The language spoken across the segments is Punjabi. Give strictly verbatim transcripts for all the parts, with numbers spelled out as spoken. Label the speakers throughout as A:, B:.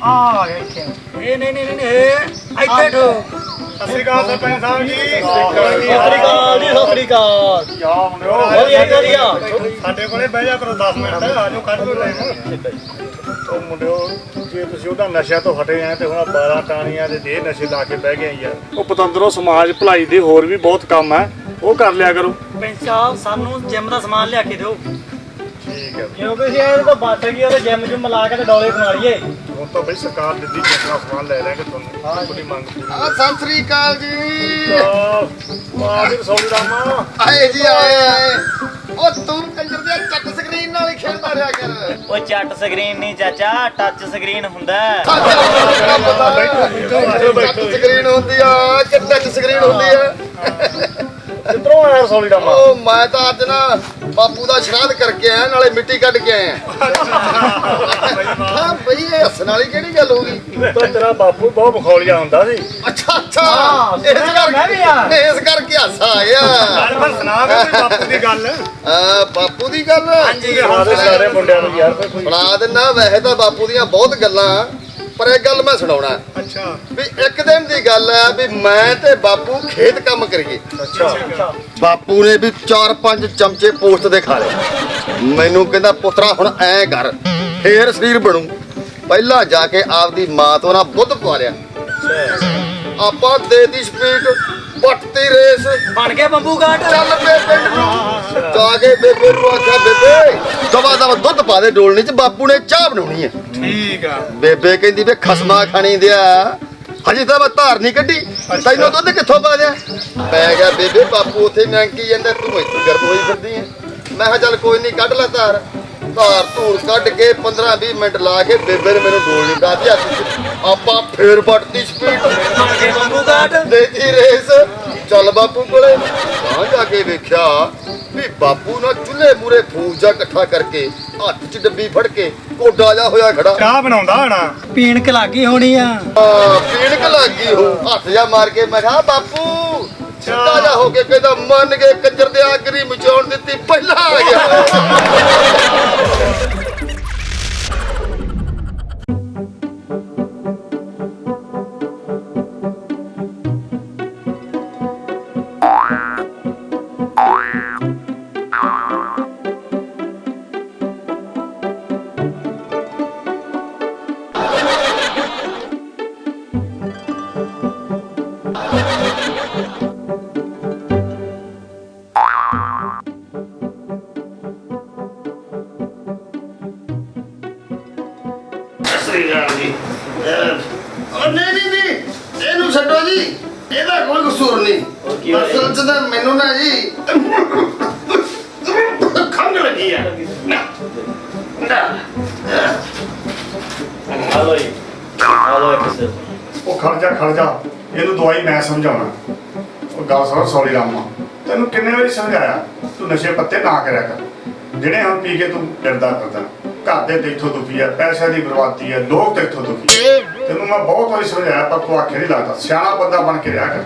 A: ਆ ਗਿਆ ਇੱਥੇ ਇਹ ਨਹੀਂ ਨਹੀਂ ਨਹੀਂ ਇੱਥੇ ਠੋ
B: ਸਤਿ ਸ਼੍ਰੀ ਅਕਾਲ ਸਰਪੰਚ ਸਾਹਿਬ ਜੀ।
A: ਸਤਿ ਸ੍ਰੀ ਅਕਾਲ ਜੀ, ਸਤਿ ਸ੍ਰੀ ਅਕਾਲ।
B: ਯਾ ਮੁੰਡਿਓ
A: ਵਧੀਆ ਵਧੀਆ
B: ਸਾਡੇ ਕੋਲੇ ਬਹਿ ਜਾ ਕਰੋ ਦਸ ਮਿੰਟ ਆਜੋ ਕੱਢ ਲਓ ਟਾਈਮ। ਉਹ ਮੁੰਡਿਓ ਜੇ ਤੁਸੀਂ ਉਹਦਾ ਨਸ਼ਿਆਂ ਤੋਂ ਹਟੇ ਆ ਤੇ ਹੁਣ ਬਾਰਾਂ ਟਾਣੀਆਂ ਦੇ ਦੇ ਨਸ਼ੇ ਲਾ ਕੇ ਬਹਿ ਗਏ ਯਾਰ। ਉਹ ਪਤੰਦਰੋਂ ਸਮਾਜ ਭਲਾਈ ਦੇ ਹੋਰ ਵੀ ਬਹੁਤ ਕੰਮ ਹੈ, ਉਹ ਕਰ ਲਿਆ ਕਰੋ।
A: ਪੈਂਚ ਸਾਹਿਬ ਸਾਨੂੰ ਜਿਮ ਦਾ ਸਮਾਨ ਲਿਆ ਕੇ ਦਿਓ।
B: ਠੀਕ ਹੈ
A: ਕਿਉਂਕਿ ਅਸੀਂ ਇਹ ਤਾਂ ਬਚ ਗਈ ਉਹਦੇ ਜਿਮ ਜੁਮ ਲਾ ਕੇ ਤੇ ਡੋਲੇ ਬਣਾ ਲਈਏ।
B: ਹੁਣ ਤਾਂ ਬਈ ਸਰਕਾਰ ਦਿੱਤੀ ਜਿੰਨਾ ਸਮਾਨ ਲੈ ਲੈਣਗੇ ਤੁਹਾਨੂੰ। ਹਾਂ ਤੁਹਾਡੀ ਮੰਗ ਪੂਰੀ।
C: ਆ ਸਤਿ ਸ੍ਰੀ ਅਕਾਲ ਜੀ।
B: ਵਾਹ ਜੀ ਸੌਲੀ ਰਾਮਾ
C: ਆਏ ਜੀ ਆਏ ਆਏ। ਉਹ ਤੂੰ ਕੰਜਰ ਦੇ ਚੱਟ ਸਕਰੀਨ ਨਾਲ ਹੀ ਖੇਡਦਾ ਰਿਹਾ ਕਰ।
D: ਉਹ ਚੱਟ ਸਕਰੀਨ ਨਹੀਂ ਚਾਚਾ, ਟੱਚ ਸਕਰੀਨ ਹੁੰਦਾ।
C: ਚੱਟ ਸਕਰੀਨ ਹੁੰਦੀ ਆ ਕਿ ਟੱਚ ਸਕਰੀਨ ਹੁੰਦੀ ਆ?
B: ਕਿੱਧਰੋਂ ਆਇਆ ਸੌਲੀ ਰਾਮਾ?
C: ਉਹ ਮੈਂ ਤਾਂ ਅੱਜ ਨਾ ਬਾਪੂ ਦਾ ਸ਼ਰਾਧ ਕਰਕੇ ਆਇਆ, ਨਾਲੇ ਮਿੱਟੀ ਕੱਢ ਕੇ ਆਇਆ। ਹਾਂ ਬਈ ਇਹ ਹੱਸਣ ਵਾਲੀ ਕਿਹੜੀ ਗੱਲ ਹੋ ਗਈ?
B: ਤਾਂ ਤੇਰਾ ਬਾਪੂ ਬਹੁਤ ਬਖੌਲੀਆ ਹੁੰਦਾ ਸੀ।
C: ਅੱਛਾ ਅੱਛਾ ਇਸ ਕਰਕੇ ਇਸ ਕਰਕੇ ਹਾਸਾ ਆ ਗਿਆ।
B: ਪਰ ਸੁਣਾ ਵੇ ਕੋਈ ਬਾਪੂ ਦੀ ਗੱਲ।
C: ਆ ਬਾਪੂ ਦੀ ਗੱਲ
B: ਹਾਂਜੀ ਸਾਰੇ ਸਾਰੇ ਮੁੰਡਿਆਂ ਨੂੰ ਯਾਰ ਕੋਈ
C: ਸੁਣਾ ਦਿੰਦਾ। ਵੈਸੇ ਤਾਂ ਬਾਪੂ ਦੀਆਂ ਬਹੁਤ ਗੱਲਾਂ, ਪਰ ਇੱਕ ਗੱਲ ਮੈਂ ਸੁਣਾਉਣਾ।
B: ਅੱਛਾ
C: ਵੀ ਇੱਕ ਦਿਨ ਦੀ ਗੱਲ ਹੈ ਵੀ ਮੈਂ ਤੇ ਬਾਪੂ ਖੇਤ ਕੰਮ ਕਰੀਏ।
B: ਅੱਛਾ
C: ਬਾਪੂ ਨੇ ਵੀ ਚਾਰ ਪੰਜ ਚਮਚੇ ਪੋਸਟ ਦੇ ਖਾ ਲਏ। ਮੈਨੂੰ ਕਹਿੰਦਾ ਪੁੱਤਰਾ ਹੁਣ ਐ ਕਰ ਫੇਰ ਸਰੀਰ ਬਣੂ। ਪਹਿਲਾਂ ਜਾ ਕੇ ਆਪਦੀ ਮਾਂ ਤੋਂ ਨਾ ਬੁੱਧ ਪਵਾ ਲਿਆ। ਆਪਾਂ ਦੇਤੀ ਸਪੀਡ ਪੱਟਤੀ ਰੇਸ
A: ਬਣ ਗਿਆ ਬੰਬੂ ਘਾਟ।
C: ਚੱਲ ਪੇ ਪਿੰਡ ਨੂੰ ਜਾ ਕੇ ਬੇਬੇ ਨੂੰ ਆਖਿਆ ਬੇਬੇ ਦਵਾ ਦਵਾ ਦੁੱਧ ਪਾ ਦੇ ਡੋਲਣੀ ਚ, ਬਾਪੂ ਨੇ ਚਾਹ ਬਣਾਉਣੀ ਹੈ।
B: ਠੀਕ ਆ।
C: ਬੇਬੇ ਕਹਿੰਦੀ ਵੇ ਖਸਮਾ ਖਾਣੀ ਦਿਆ ਹਜੇ ਤਾਂ ਮੈਂ ਧਾਰ ਨਹੀਂ ਕੱਢੀ, ਤੈਨੂੰ ਦੁੱਧ ਕਿੱਥੋਂ ਪਾ ਦਿਆ? ਪੈ ਗਿਆ ਬੇਬੇ ਬਾਪੂ ਉੱਥੇ ਨੰਕੀ ਜਾਂਦਾ, ਤੂੰ ਇੱਥੇ ਗਰਮ ਹੋਈ ਫਿਰਦੀ ਐ। ਮੈਂ ਕਿਹਾ ਚੱਲ ਕੋਈ ਨਹੀਂ ਕੱਢ ਲੈ ਧਾਰ। ਧਾਰ ਧੂਰ ਕੱਢ ਕੇ ਪੰਦਰਾਂ ਵੀਹ ਮਿੰਟ ਲਾ ਕੇ ਬੇਬੇ ਨੇ ਮੈਨੂੰ ਡੋਲ ਨਹੀਂ ਪਾਤੀ ਹੱਥ ਚ। ਆਪਾਂ ਫੇਰ ਵੱਟਦੀ ਸਪੀਡ
A: ਬਣ ਗਿਆ ਬੰਬੂ ਘਾਟ।
C: ਦੇਤੀ ਰੇਸ। ਚੱਲ ਬਾਪੂ ਕੋਲੇ ਤਾਂ ਜਾ ਕੇ ਵੇਖਿਆ ਵੀ ਬਾਪੂ ਨਾ ਚੁੱਲ੍ਹੇ ਮੂਰੇ ਫੂਸ ਜਾ ਇਕੱਠਾ ਕਰਕੇ ਹੱਥ 'ਚ ਡੱਬੀ ਫੜ ਕੇ ਕੋਡਾ ਜਾ ਹੋਇਆ ਖੜਾ।
B: ਚਾਹ ਬਣਾਉਂਦਾ ਹੋਣਾ।
A: ਪੀਣ ਕ ਲੱਗੀ ਹੋਣੀ ਆ।
C: ਆ ਪੀਣਕ ਲੱਗੀ ਹੋ ਹੱਥ ਜਾ ਮਾਰ ਕੇ। ਮੈਂ ਕਿਹਾ ਬਾਪੂ ਸਿੱਧਾ ਜਾ ਹੋ ਕੇ ਕਹਿੰਦਾ ਮੰਨ ਕੇ ਕੰਜਰ ਦੇ ਆਗਰੀ ਮਚਾਉਣ ਦਿੱਤੀ ਪਹਿਲਾਂ ਆ ਗਿਆ। ਨਹੀਂ ਨਹੀਂ ਨਹੀਂ ਇਹਨੂੰ ਛੱਡੋ ਜੀ, ਇਹਦਾ ਕੋਈ ਕਸੂਰ ਨਹੀਂ। ਅਸਲ ਚ ਤਾਂ ਮੈਨੂੰ ਨਾ ਜੀ ਖੰਘ ਲੱਗੀ ਆ।
D: ਹਲੋ ਜੀ, ਹਲੋ ਇੱਕ ਸੇ।
B: ਉਹ ਖੜ ਜਾ ਖੜ ਜਾ, ਇਹਨੂੰ ਦਵਾਈ ਮੈਂ ਸਮਝਾਉਣਾ। ਉਹ ਗੱਲ ਸੁਣ ਸੌਲੀ ਰਾਮਾ, ਤੈਨੂੰ ਕਿੰਨੇ ਵਾਰੀ ਸਮਝਾਇਆ ਤੂੰ ਨਸ਼ੇ ਪੱਤੇ ਨਾ ਕਰਿਆ ਕਰ। ਜਿਹੜੇ ਹੁਣ ਪੀ ਕੇ ਤੂੰ ਫਿਰਦਾ ਫਿਰਦਾ, ਘਰ ਦੇ ਤੇਥੋਂ ਦੁਖੀ ਆ, ਪੈਸਿਆਂ ਦੀ ਬਰਬਾਦੀ ਆ, ਲੋਕ ਤੇਥੋਂ ਦੁਖੀ। ਤੈਨੂੰ ਮੈਂ ਬਹੁਤ ਵਾਰੀ ਸਮਝਾਇਆ ਪਰ ਤੂੰ ਆਖੇ ਨਹੀਂ ਲੱਗਦਾ। ਸਿਆਣਾ ਬੰਦਾ ਬਣ ਕੇ ਰਿਹਾ ਕਰ।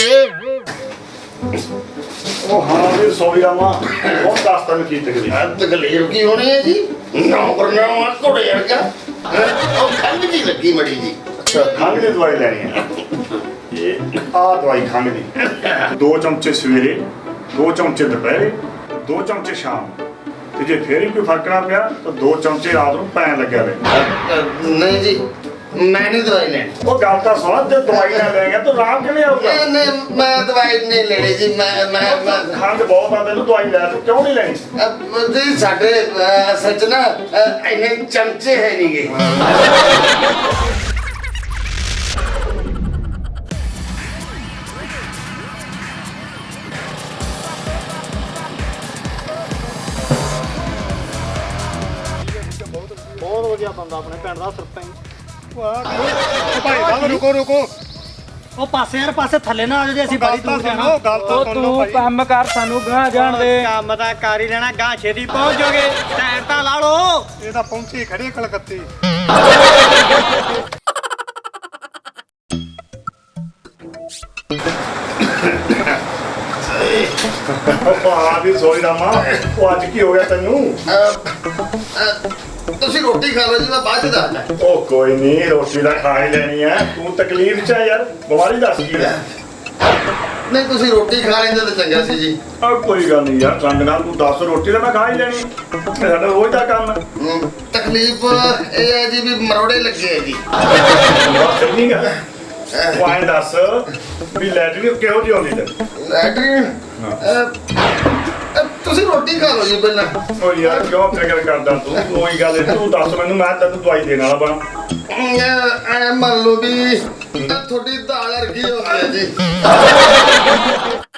B: ਉਹ ਹਾਂ ਵੀ ਸੌਲੀ ਰਾਮਾ ਬਹੁਤ ਦੱਸ ਤੈਨੂੰ ਕੀ ਤਕਲੀਫ।
C: ਤਕਲੀਫ ਕੀ ਹੋਣੀ ਹੈ ਜੀ? ਨੌਕਰ ਨਾ ਘੋੜੇ ਵਰਗਾ ਉਹ ਖੰਘ ਜੀ ਲੱਗੀ ਮੜੀ ਜੀ।
B: ਅੱਛਾ ਖੰਘ ਦੀ ਦਵਾਈ ਲੈਣੀ ਹੈ। ਇਹ ਆਹ ਦਵਾਈ ਖੰਘ ਦੀ, ਦੋ ਚਮਚੇ ਸਵੇਰੇ, ਦੋ ਚਮਚੇ ਦੁਪਹਿਰੇ, ਦੋ ਚਮਚੇ ਸ਼ਾਮ। ਤੇ ਜੇ ਫੇਰ ਵੀ ਕੋਈ ਫਰਕ ਨਾ ਪਿਆ ਤਾਂ ਦੋ ਚਮਚੇ ਰਾਤ ਨੂੰ ਪੈਣ ਲੱਗਿਆ ਵੇ।
C: ਨਹੀਂ ਜੀ ਮੈਂ ਨਹੀਂ ਦਵਾਈ ਲੈਣੀ।
B: ਉਹ ਗੱਲ ਤਾਂ ਸੁਣ, ਜੇ ਦਵਾਈ ਨਾ ਲੈ ਗਿਆ ਤਾਂ ਆਰਾਮ ਕਿਵੇਂ ਆਊਗਾ?
C: ਨਹੀਂ ਨਹੀਂ ਮੈਂ ਦਵਾਈ ਨਹੀਂ ਲੈਣੀ ਜੀ। ਮੈਂ ਮੈਂ ਮੈਂ
B: ਖੰਘ ਬਹੁਤ ਆ ਤੈਨੂੰ, ਦਵਾਈ ਲੈ ਤੂੰ ਕਿਉਂ ਨਹੀਂ ਲੈਣੀ?
C: ਅਹ ਜੀ ਸਾਡੇ ਅਹ ਸੱਚ ਨਾ ਅਹ ਇੰਨੇ ਚਮਚੇ ਹੈ ਨਹੀਂਗੇ।
A: ਬਹੁਤ ਵਧੀਆ ਬੰਦਾ ਆਪਣੇ ਪਿੰਡ ਦਾ ਸਰਪੰਚ।
B: ਭਾਈ ਸਾਹਿਬ ਰੁਕੋ ਰੁਕੋ।
A: ਉਹ ਪਾਸੇ ਯਾਰ ਪਾਸੇ ਥੱਲੇ ਨਾ ਆ ਜੇ, ਅਸੀਂ ਬੜੀ ਦੂਰ ਜਾਣਾ।
B: ਗੱਲ ਤਾਂ ਸੁਣ ਲਓ ਭਾਈ।
A: ਕੰਮ ਕਰ, ਸਾਨੂੰ ਗਾਂ ਜਾਣ ਦੇ। ਕੰਮ ਤਾਂ ਕਰ ਹੀ ਲੈਣਾ, ਗਾਂ ਛੇਤੀ ਪਹੁੰਚ ਜਾਓਗੇ। ਟਾਇਰ ਤਾਂ ਲਾ ਲਓ।
B: ਇਹ ਤਾਂ ਪਹੁੰਚੀ ਖੜੀ ਕਲਕੱਤੇ। ਆ ਵੀ ਸੋਈ ਰਾਮਾ, ਉਹ ਅੱਜ ਕੀ ਹੋ ਗਿਆ ਤੈਨੂੰ?
C: ਤੁਸੀਂ ਰੋਟੀ ਖਾ ਲਓ ਜੀ, ਮੈਂ ਬਾਅਦ ਚ ਦੱਸਦਾ।
B: ਉਹ ਕੋਈ ਨਹੀਂ, ਰੋਟੀ ਦਾ ਖਾ ਹੀ ਲੈਣੀ ਆ। ਤੂੰ ਤਕਲੀਫ ਚ ਆ ਯਾਰ, ਬਿਮਾਰੀ ਦੱਸ ਕੀ ਹੈ?
C: ਨਹੀਂ ਤੁਸੀਂ ਰੋਟੀ ਖਾ ਲੈਂਦੇ ਤਾਂ ਚੰਗਾ ਸੀ ਜੀ।
B: ਆ ਕੋਈ ਗੱਲ ਨਹੀਂ ਯਾਰ, ਸੰਗ ਨਾਲ ਤੂੰ ਦੱਸ, ਰੋਟੀ ਤਾਂ ਮੈਂ ਖਾ ਹੀ ਲੈਣੀ। ਇਹ ਸਾਡਾ ਰੋਜ਼ ਦਾ ਕੰਮ ਹੈ।
C: ਹਮ, ਤਕਲੀਫ ਇਹ ਹੈ ਜੀ ਵੀ ਮਰੋੜੇ ਲੱਗੇ ਆ ਜੀ।
B: ਬਸ ਇੰਨੀ ਗੱਲ ਹੈ। ਉਹ ਐਂ ਦੱਸ ਵੀ ਲੈਟਰੀ ਕਿਹੋ ਜਿਹੀ ਆਉਂਦੀ ਤੇ?
C: ਲੈਟਰੀਨ ਤੁਸੀਂ ਰੋਟੀ ਖਾ ਲਓ ਜੀ ਪਹਿਲਾਂ।
B: ਉਹ ਯਾਰ ਕਿਉਂ ਫਿਕਰ ਕਰਦਾ ਤੂੰ? ਕੋਈ ਗੱਲ ਨਹੀਂ, ਤੂੰ ਦੱਸ ਮੈਨੂੰ, ਮੈਂ ਤੈਨੂੰ ਦਵਾਈ ਦੇਣ ਵਾਲਾ ਬਣਾ।
C: ਐ ਮੰਨ ਲਓ ਵੀ ਤੁਹਾਡੀ ਦਾਲ ਅਰਗੀ ਹੋ ਗਈ ਹੈ ਜੀ।